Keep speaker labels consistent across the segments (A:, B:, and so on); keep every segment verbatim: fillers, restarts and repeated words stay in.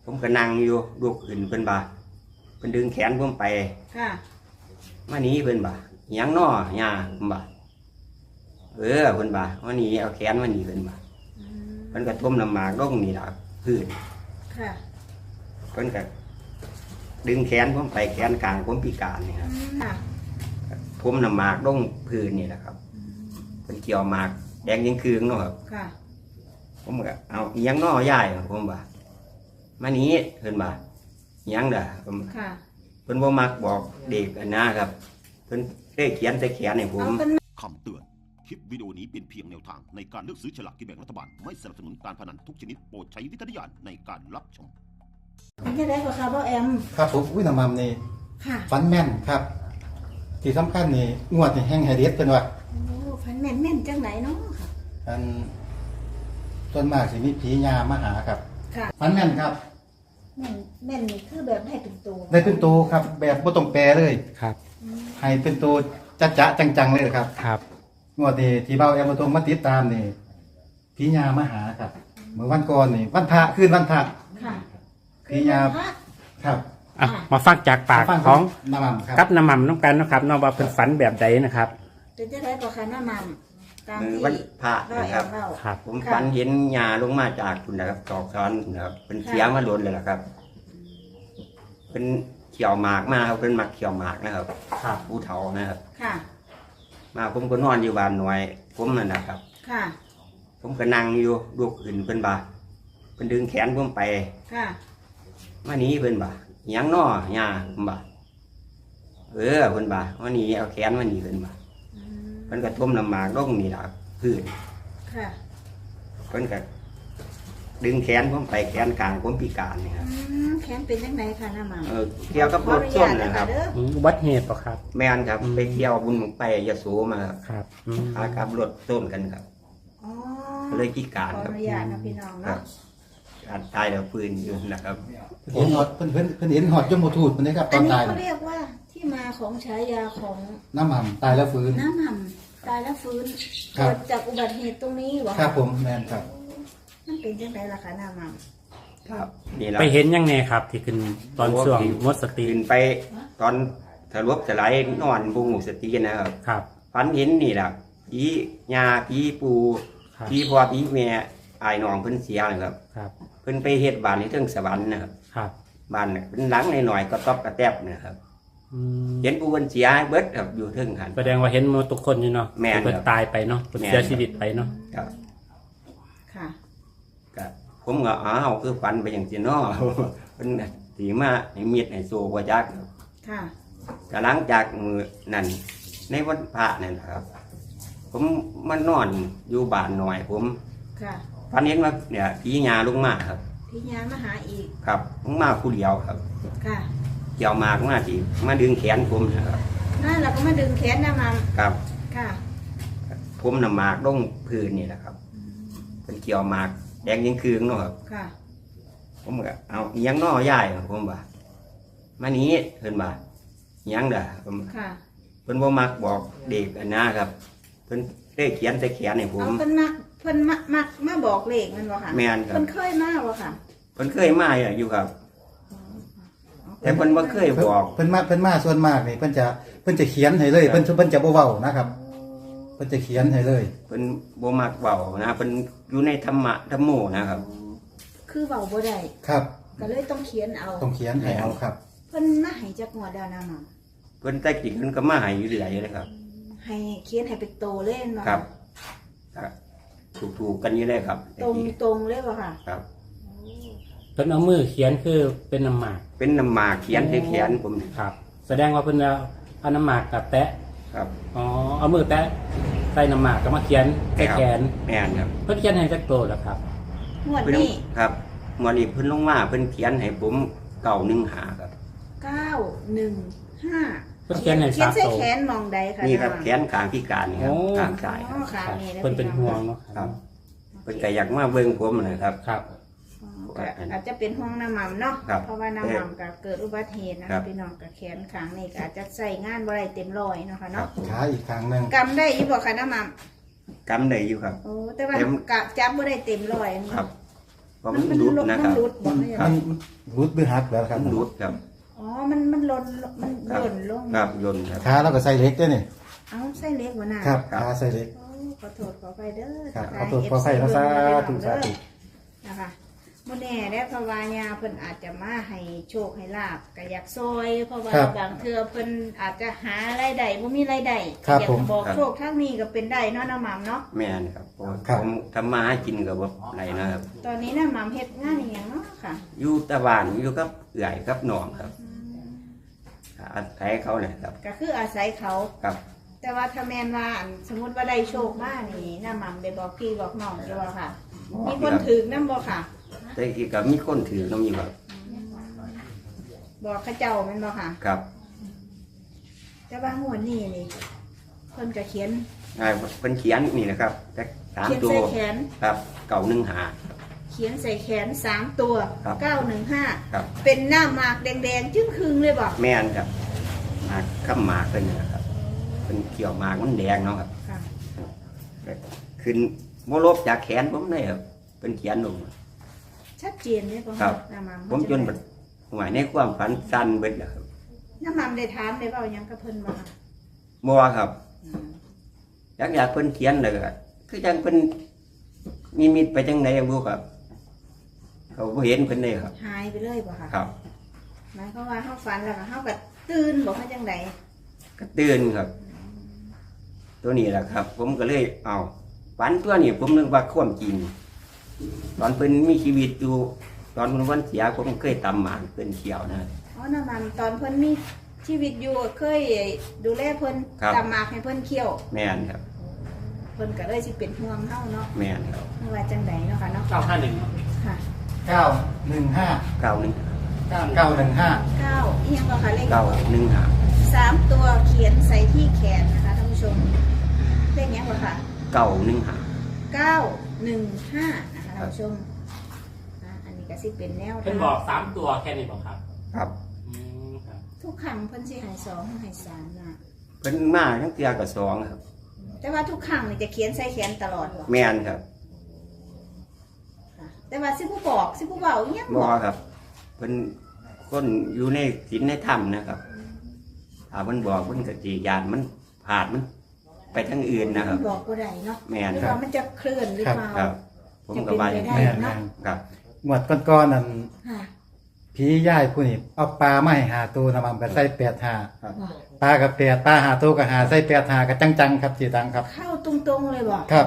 A: ผมก็นั่งอยู่ลูกขึ้นเพิ่นบ่าเพิ่นดึงแขนผมไป
B: ค่ะ
A: มาหนีเพิ่นบ่าหยังน้อย่าผมบ่าเออเพิ่นบ่ามาหนีเอาแขนมาหนีเพิ่นบ่าเพิ่นก็ทุ่มน้ำหมากลงนี่ล่ะพื้น
B: ค่ะ
A: เพิ่นก็ดึงแขนผมไปแขนกลางผมพิการนี่ครับทุ่มน้ำหมากลงพื้นนี่แหละครับเพิ่นเกี่ยวหมากแดงยังคืนเนาะครับ
B: ค่ะ
A: ผมก็เอาหยังน้อย่ายผมบ่ามาหนีเพิ่นบ่าหยังเด้อผมเพิ่นบ่มักบอกเด็กอันนะครับเพิ่นได้เขียนใส่แขนให้ผม
C: คำเตือนคลิปวิดีโอนี้เป็นเพียงแนวทางในการเลือกซื้อฉลากกินแบ่งรัฐบาลไม่สนับสนุนการพนันทุกชนิดโปรดใช้วิจารณญาณในการรับชม
B: มันจะได้กว่าครับว่าแอม
D: ครับผมอุ้ยน้ำมันนี่ฟันแม่นครับที่สำคัญนี่งวดนี่แห้งไฮเดสเป็นว่า
B: โอ้ฟันแม่นแม่นจังไหนเนาะค่ะ
D: อันส่วนมากสิมีผีญามาหาครับ
B: ค่ะ
D: ฟันแม่นครับ
B: แม่นแม่นนี่คือแบบให้เป็นตัว
D: ได้เป็นตัวครับแบบบ่ต้องแปลเลย
E: ครับ
D: ให้เป็นตัวจะจะจังๆเลยครับ
E: ครับ
D: งวดนี้ที่เบาแอมมาตรงมาติดตามนี่ผีญามาหาครับเมื่อวันก่อนนี่วันพระคืนวันพระ
B: ค่ะ
D: ผีญาครับ
E: อ่ะมาฟังจากปากของ
D: น้ำมันครับ
E: กับน้ำมันน้ำกันนะครับน้องว่าเป็นฝันแบบใดนะครับ
B: เป็นจะได้กว่าค่ะน้ำมันตามที่
A: วันพระนะครับ
E: ครับ
A: ผมฝันเห็นหญ้าลงมาจากคุณนะครับตอกซ้อนนะครับเป็นเสียมาล้นเลยล่ะครับเป็นเขียวหมากมาครับเป็นหมักเขียวหมากนะครับ
E: ครับ
A: ผู้เฒ่านะครับ
B: ค่ะ
A: มาผมก็นอนอยู่บ้านหน่วยผมนั่นนะครับ
B: ค่ะ
A: ผมก็นั่งอยู่ลูกขึ้นเพิ่นบ่าเพิ่นดึงแขนผมไป
B: ค่ะ
A: มาหนีเพิ่นบ่าหยังน้อย่าผมบ่าเออเพิ่นบ่ามาหนีเอาแขนมาหนีเพิ่นบ่าเพิ่นก็ทุ่มน้ำหมากลงนี่ล่ะพื้น
B: ค่ะ
A: เพิ่นก็ดึงแขนผมไปแขนกลางผมพิการนี่ครับ
B: แขนเป็นยังไงคะน้ำมัน
A: เออเกี่ยวกับรถส้นนะครับ
E: อุบัติเหตุป่ะครับ
A: แม่นครับไปเที่ยวบุญไปยโสมา
E: ครับ
A: พากับรถส้นกันครับเลยพิการ
B: ครับขออนุญาตนะพี่น้องเนาะ
A: การตายแล้วปืนอยู่นะครับ
D: เห็นหอดเพิ่นเพิ่นเพิ่นเห็นหอดยมทูตมันนี่ครับตอนตาย
B: อันนี้เขาเรียกว่าที่มาของฉายาของ
D: น้ำมันตายแล้วฟื้น
B: น้ำมันตายแล้วฟื้นเกิดจากอุบัติเหตุตรงนี้หรอ
D: ครับผมแม่นครับ
B: มันเป็นยังไงล่ะคะน้ำมัน
A: ครับ
E: ไปเห็นยังไงครับที่ขึ้นตอนช่วงหมดสติ
A: ขึ้นไปตอนทะลุสลายนอนบุ้งสตินะครับ
E: ครับ
A: ฝันเห็นนี่แหละผีญาผีปูผีพ่อผีแม่อายน้องเพิ่นเสียนะครับ
E: ครับ
A: เพิ่นไปเฮ็ดบ้านในเทิงสวรรค์นะครับ
E: ครับ
A: บ้านเป็นหลังหน่อยๆก็ต๊อบกระแทบนะครับเห็นผู้เพิ่นเสียเบิดครับอยู่เทิงหัน
E: แสดงว่าเห็นหมดทุกคนอยู่เนาะ
A: แม่
E: เพิ่นตายไปเนาะเพิ่นเสียชีวิตไปเนาะ
A: ครับ
B: ค่ะ
A: ก็ผมก็อ้าวคือฝันไปอย่างซี่เนาะเพิ่นสิมาให้มีดให้โซบ่จัก
B: ค่ะ
A: ก็หลังจากมื้อนั้นในวันพระนั่นครับผมมานอนอยู่บ้านหน่อยผม
B: ค่ะ
A: ฝันเห็นว่าเนี่ยผีญาลงมาครับ
B: ผีญามาหาอีก
A: ครับลงมาผู้เดียวครับ
B: ค่ะ
A: เกี่ยวมากมาสิมาดึงแขนผมนะครับ
B: นั่นเราก็มาดึงแขนน้ำมัน
A: ครับ
B: ค่ะ
A: ผมน้ำหมากลงพื้นนี่แหละครับเป็นเกี่ยวหมากแดงยังคืนเนาะครับ
B: ค่ะ
A: ผมก็เอาหยังน้อย่ายผมบ่ามาหนีเพิ่นบ่าหยังเด้อผม
B: ค่ะ
A: เพิ่นบ่มักบอกเด็กอันนะครับเพิ่นได้เขียนใส่แขนให้ผม
B: เพิ่นมักเพิ่นมักมักมาบอกเลขมันบ่ค่ะ
A: แม่นครับ
B: เพิ่นเคยมาบ่ค่ะ
A: เพิ่นเคยมาอยู่ครับแต่เพิ่นบ่เคยบอก
D: เพิ่นมาเพิ่นมาส่วนมากนี่เพิ่นจะเพิ่นจะเขียนให้เลยเพิ่นเพิ่นจะบ่เว้านะครับเพิ่นจะเขียนให้เลย
A: เพิ่นบ่มักเว้านะเพิ่นอยู่ในธรรมะธรรมโมนะครับ
B: คือเว้าบ่ได้
D: ครับ
B: ก็เลยต้องเขียนเอา
D: ต้องเขียนให้เอาครับ
B: เพิ่นมาให้จักงวดแล้วนะมัน
A: เพิ่นแต่กี้เพิ่นก็มาให้อยู่เรื่อยเลยครับ
B: ให้เขียนให้เป็นโตเลยเนาะ
A: ครับถูกๆกันอยู่เลยครับ
B: ตรงตรงเลยบ่ค่ะ
A: ครับ
E: เพิ่นเอามือเขียนคือเป็นน้ำหมาก
A: เป็นน้ำหมากเขียนให้เขียนผม
E: ครับแสดงว่าเพิ่นเอาน้ำหมากกับแตะ
A: ครับ
E: อ๋อเอามือแตะใส่น้ำหมากก็มาเขียนใส่แขน
A: แม่นครับ
E: เพิ่นเขียนให้จักโตแล้วครับ
B: งวดนี้
A: ครับงวดนี้เพิ่นลงมาเพิ่นเขียนให้ผมเก้าหนึ่งห้าครับ
B: เก้าหนึ่งห้า
E: เพิ่นเขียนให้สามโต
B: เขียนใส่แขนมองใดค่ะ
A: นี่ครับแขนข้างพิการนี่ครับข้างซ้าย
B: อ๋อข้างนี้
E: เพิ่นเป็นห่วงเนาะ
A: ครับเพิ่นก็อยากมาเบิ่งผมนะครับ
E: ครับ
B: อาจจะเป็นห้องน้ำมันเนาะเพราะว่าน้ำมันก็เกิดอุบัติเหตุนะคะพี่น้องกับแขนขางนี่ก็อาจจะใส่งานบ่ได้เต็มร้อยเนาะค่ะเนาะ
D: ขาอีกครั้งนึง
B: กำได้อีบ่ค่ะน้ำมัน
A: กำได้อยู่ครับ
B: โอ้แต่ว่ากะจับบ่ได้เต็มร้อย
A: ครับเพราะมันรุดนะค
B: มั
A: รั
B: น
A: บ
B: รุดบอก
D: มัน
B: ไม่
D: มั
B: ได้
D: นรุดหรือหักแล้วครับ
A: มันรุดครับ
B: อ๋อมันมันหล่นมัน
A: ครับ
B: หล่นลง
A: ครับยนต์ครับ
D: ขาเราก็ใส่เหล็กด้วยนี่
B: เอ้าไส้เล็กหัวหน้า
D: ครับ
A: ครับ
D: ขาใส่เหล็ก
B: โอ้ขอโทษขอไปเด้อ
D: ครับ
B: ทั
D: ขอก
B: ทาย
D: โทษขออภัยนะสาธุสาธุ
B: นะคะโมแน่ได้เพราะว่ายาเพิ่นอาจจะมาให้โชคให้ลาบก็อยากซอย เพราะว่า
D: ครับ
B: บางเทื่อเพิ่นอาจจะหารายได้บ่มีรายได้
D: ครับ
B: อยาก
D: ผม
B: บอก
A: ครับ
B: โชคทางนี้ก็เป็นได้เนาะน้าหม่ำเนาะ
A: แม่นครับเพราะ
D: ครับ
A: ผมทำมาหากินกับว่าไรนะครับ
B: ตอนนี้น้าหม่ำเฮ็ดงานอหย่างเนาะค่ะ
A: อยู่ตะบ้านอยู่กับเอื่อยกับหนองครับอาศัยเขาเนี่ยครับ
B: ก็คืออาศัยเขา
A: ครับ
B: แต่ว่าถ้าแม่นว่าอันสมมุติว่าได้โชคมานี่น้าหม่ำได้บอกพี่บอกน้องอยู่ว่าค่ะ มีคนถือนำบ่ค่ะ
A: แต่อีกกับมีคนถือน้ำอยู่ครับ
B: บอกเขาเจ้าแม่นบ่ค่ะ
A: ครับ
B: แต่ว่างวดนี้นี่เพิ่นก็เขียน
A: อ่าเป็นเขียนนี่นะครับแต่สาม
B: เขียน
A: ตัว
B: ใส่แขน
A: ครับเก่าหนึ่งหา
B: เขียนใส่แขนสามตัว
A: ครับ
B: เก้าหนึ่งห้า
A: ครับ
B: เป็นหน้าหมากแดงๆจึ้งคืงเลยบอก
A: แม่นครับหมากข้ามหมากเป็นนะครับเป็นเขียวหมากมันแดงเนาะครับ
B: ค่ะ
A: ขึ้นโมลบจากแขนผมเลยครับเป็นเขียนลง
B: ชัดเจนเลยป่ะ
A: ครับ
B: หน้าหมาก
A: ผมจนแบบหมายในความฝันสั้นเบิดแล้วครับ
B: หน้าหมากได้ถามได้เปล่าหยังกับเพิ่นบ่ค่ะ
A: มัวครับอยากอยากเพิ่นเขียนเลยก็คือจังเพิ่นมีมิตไปจังไหนบุครับ เขาบ่เห็นเพิ่นเลยครับ
B: หายไปเลยป่ะค่ะ
A: ครับ
B: หมายความว่าเฮาฝันแล้วก็เฮาก็ตื่นบอกว่าจังได
A: ก็ตื่นครับ ตัวนี้แหละครับ ผมก็เลยเอาฝันตัวนี้ผมนึกว่าความจริงตอนเพิ่นมีชีวิตอยู่ตอนเพิ่นวันเสียผมเคยตำหมากเพิ่นเขียวนะ
B: อ๋อหน้าหมากตอนเพิ่นมีชีวิตอยู่เคยดูแลเพิ่น
A: ครับ
B: ตำหมากให้เพิ่นเคี่ยว
A: แม่นครับ
B: เพิ่นก็เลยสิเป็นห่วงเฮาเนาะ
A: แม่นครับ
B: ไม่ว่าจังไดเนาะค่ะเนาะ
E: เก้าห้าหนึ่ง
B: ค่ะ
D: เก้าหนึ่งห้า
A: เก้าหนึ่ง
E: เก้า
D: เก้าหนึ่งห้า
B: เก้าอีหยังบ่ค่ะเลข
A: เก้าหนึ่งหา
B: สามตัวเขียนใส่ที่แขนนะคะท่านผู้ชมเลขนี้บ่ค่ะ
A: เก้าหนึ่งหา
B: เก้าหนึ่งห้านะคะท่านผู้ชมอ่ะอันนี้ก็สิเป็นแนว
E: เพิ่นบอกสามตัวแค่นี้บอกครับ
A: ครับ
E: อืมครับ
B: ทุกครั้งเพิ่นสิให้สองให้สามนะ
A: เพิ่นมาทั้งเตียกับสองครับ
B: แต่ว่าทุกครั้งนี่จะเขียนใส่แขนตลอดบ่
A: แม่นครับ
B: ค่ะแต่ว่าสิผู้บอกสิผู้เว้าอีหยัง
A: บ่
B: บอก
A: ครับเพิ่นคนอยู่ในศีลในธรรมนะครับถ้าเพิ่นบอกเพิ่นก็สิยานมันผาดมัน ไปทางอื่นนะครับ
B: บอกบ่ได้เนาะ
A: แม่น
B: หรือ
A: ครั
B: ว่า
A: บ
B: มันจะเคลื่อนหรือเปล่า
A: ครับ ผมก็ว่าอย่าง
B: ได้
A: นั้น
D: แม่นแม่น
A: ครับ
D: หมวดก้อนๆนั่น
B: ค่ะ
D: ผีย่ายผู้นี่เอาปลามาให้หาตัวนะมันก็ใส่แปดหา
A: ครับ
B: ว่า
D: ปลากับแปดปลาหาตัวกับหาใส่แปดหากับจังๆครับจีตังครับ
B: เข้าตรงๆเลยบอก
D: ครับ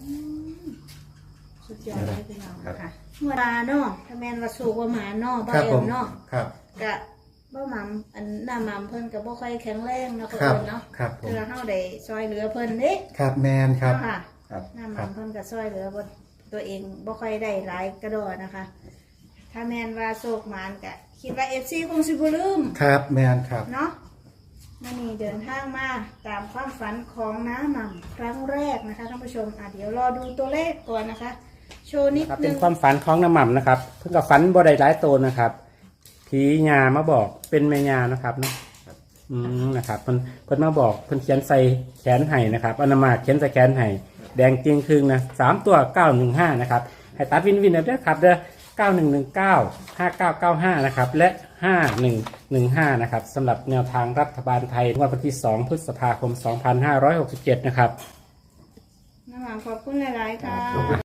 B: สุดยอดเลยพี่น้องค่ะเมื่อวานเนาะถ้าแม่นว่าสูกว่าหมาเนาะบ่
D: ครับ
B: เอ็
D: ผม ม
B: เนาะ
D: ครับ
B: กะบ่หม่ำอันหน้าหม่ำเพิ่นก็บ่ค่อยแข็งแรงเนาะ
D: ครั
B: เพิ่
D: บ
B: นเนาะ
D: ครับผม
B: คือเฮาได้ซอยเหลือเพิ่นเด้
D: ครับแมนครับ
B: เนาะค่ะ
A: ครับ
B: หน้าหม่ำเพิ่นก็ซอยเหลือบ่ตัวเองบ่ค่อยได้หลายกระโดดนะคะ ถ้าแม่นว่าโศกหมานก็คิดว่า เอฟ ซี คงสิบ่ลืม
D: ครับแมนครับ
B: เนาะมื่อนี้เดินทางมาตามความฝันของน้าหม่ำครั้งแรกนะคะท่านผู้ชมอ่ะเดี๋ยวรอดูตัวเลขก่อนนะคะ โชว์นิด
E: ครับ
B: นึ
E: เป็น
B: ง
E: ความฝันของน้ำหม่ำนะครับ เพิ่งกับฝันบ่ได้หลายโตวนะครับผีญามาบอกเป็นแม่ญานะครับเนาะอืมนะครับเพิ่นเพิ่นมาบอกเพิ่นเขียนใส่แขนไห้นะครับอนามาเขียนใส่แขนไห้แดงจริงครึ่งนะสามตัวเก้าหนึ่งห้านะครับให้ตัดวินวินเอาเด้อครับเด้อเก้าหนึ่งหนึ่งเก้าห้าเก้าเก้าห้านะครับและห้าหนึ่งหนึ่งห้านะครับสำหรับแนวทางรัฐบาลไทยงวดวันที่สองพฤษภาคมสองพันห้าร้อยหกสิบเจ็ดนะครับ
B: น้าหม่ำขอบคุณหลายๆค่ะ